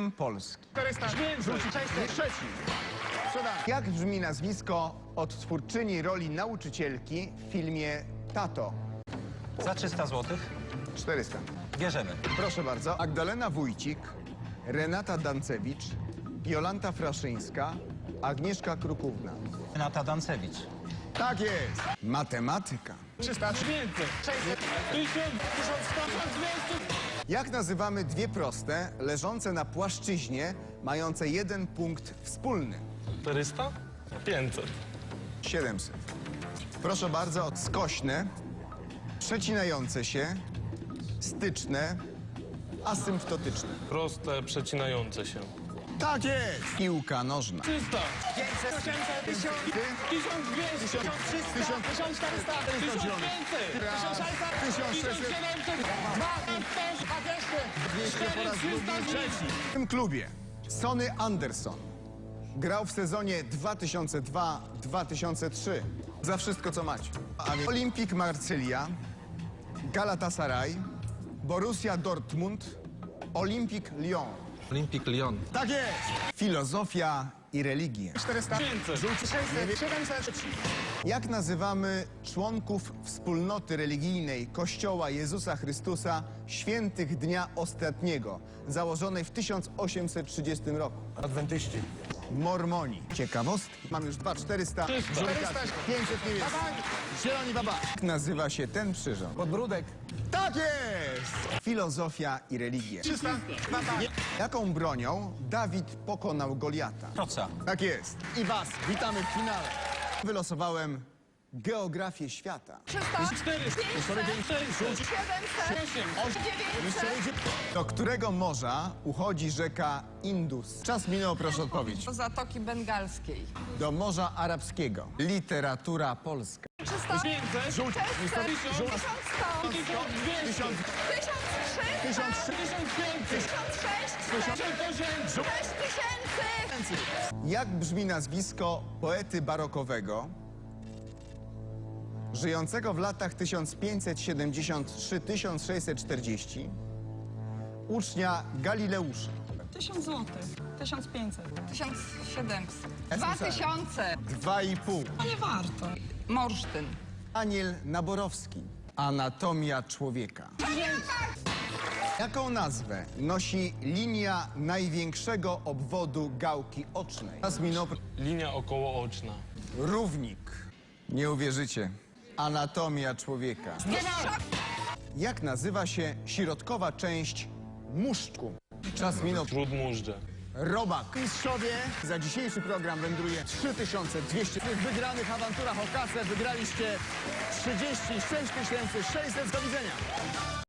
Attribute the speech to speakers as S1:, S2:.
S1: Hymn Polski.
S2: 400.
S1: Trzeci. Jak brzmi nazwisko odtwórczyni roli nauczycielki w filmie Tato?
S3: Za 300 zł
S1: 400.
S3: bierzemy.
S1: Proszę bardzo. Magdalena Wójcik, Renata Dancewicz, Jolanta Fraszyńska, Agnieszka Krukówna.
S3: Renata Dancewicz.
S1: Tak jest. Matematyka.
S2: 300. 500. 600. 1000. 1100. 1200.
S1: Jak nazywamy dwie proste, leżące na płaszczyźnie, mające jeden punkt wspólny?
S4: 400? 500.
S1: 700. Proszę bardzo, skośne, przecinające się, styczne, asymptotyczne.
S4: Proste, przecinające się.
S1: Tak jest. Piłka nożna.
S4: 300.
S2: 500. 800. 1000. 1200. 1300. 1400. 1500. 1600. 1700.
S1: 200 po raz drugi.
S2: 400.
S1: W tym klubie Sonny Anderson grał w sezonie 2002-2003. Za wszystko, co macie. A więc Olimpik Marsylia, Galatasaray, Borussia Dortmund, Olimpik Lyon.
S3: Olympique Lyon.
S1: Tak jest! Filozofia i religie.
S2: 400.
S4: 500.
S2: 600. 700.
S1: Jak nazywamy członków wspólnoty religijnej Kościoła Jezusa Chrystusa Świętych Dnia Ostatniego, założonej w 1830 roku?
S2: Adwentyści.
S1: Mormoni. Ciekawostki. Mam już 400.
S4: 300.
S1: 500 niebieskich. Zieloni baba. Jak nazywa się ten przyrząd?
S2: Podbródek.
S1: Tak jest! Filozofia i religie.
S2: 300.
S1: Jaką bronią Dawid pokonał Goliata?
S3: Proca.
S1: Tak jest. I was witamy w finale. Wylosowałem geografię świata.
S2: 400.
S4: 400. 600.
S2: 900.
S1: Do którego morza uchodzi rzeka Indus? Czas minął, proszę odpowiedź.
S5: Do Zatoki Bengalskiej.
S1: Do Morza Arabskiego. Literatura polska.
S5: 300,
S4: 500.
S5: 600, 1100,
S1: 1000.
S5: 1003,
S1: 1003.
S4: 1500.
S5: 1006,
S4: 1008.
S5: 6000.
S1: Jak brzmi nazwisko poety barokowego żyjącego w latach 1573-1640, ucznia Galileusza?
S6: 1000 zł, 1500.
S5: 1700.
S1: Ja
S5: 2000.
S1: 2,5.
S6: No nie warto.
S5: Morsztyn.
S1: Daniel Naborowski. Anatomia człowieka. Jaką nazwę nosi linia największego obwodu gałki ocznej? Czas minął.
S4: Linia okołooczna.
S1: Równik. Nie uwierzycie. Anatomia człowieka. Jak nazywa się środkowa część muszczku? Czas minął.
S4: Śródmóżdże.
S1: Robak. Mistrzowie, za dzisiejszy program wędruje 3200. W tych wygranych awanturach o kasę wygraliście 36 600. Do widzenia.